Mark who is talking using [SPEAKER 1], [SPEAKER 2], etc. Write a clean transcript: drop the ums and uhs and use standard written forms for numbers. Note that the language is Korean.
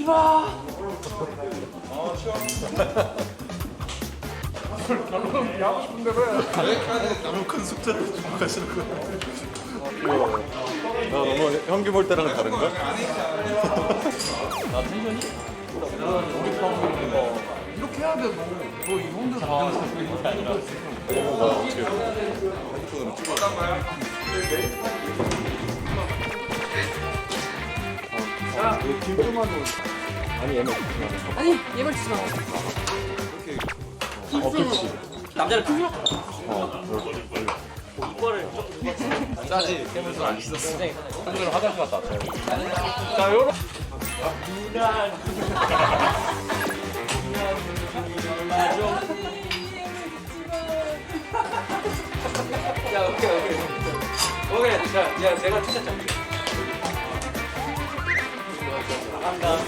[SPEAKER 1] 마.
[SPEAKER 2] 결론은 하고 싶은데 왜?
[SPEAKER 3] 너무 큰 숙제를 주목하시는 거예요. 나 너무 현기 볼 때랑 다른가?
[SPEAKER 1] 나 텐션이?
[SPEAKER 2] 이렇게 해야 돼 너이 정도로
[SPEAKER 1] 있는 게 아니라.
[SPEAKER 3] 어떻게 핸드폰으로 찍어?
[SPEAKER 1] 아니 얘는
[SPEAKER 4] 아니 얘말 주지 마.
[SPEAKER 3] 그렇지.
[SPEAKER 1] 남자를 크게.
[SPEAKER 3] 짜지. 깨면서 안 씻었어.
[SPEAKER 1] 오늘 화장실 갔다 왔어요.
[SPEAKER 2] 자 요런
[SPEAKER 1] 야 오케이. 오케이. 자, 야 내가 진짜 짠게. 나간다.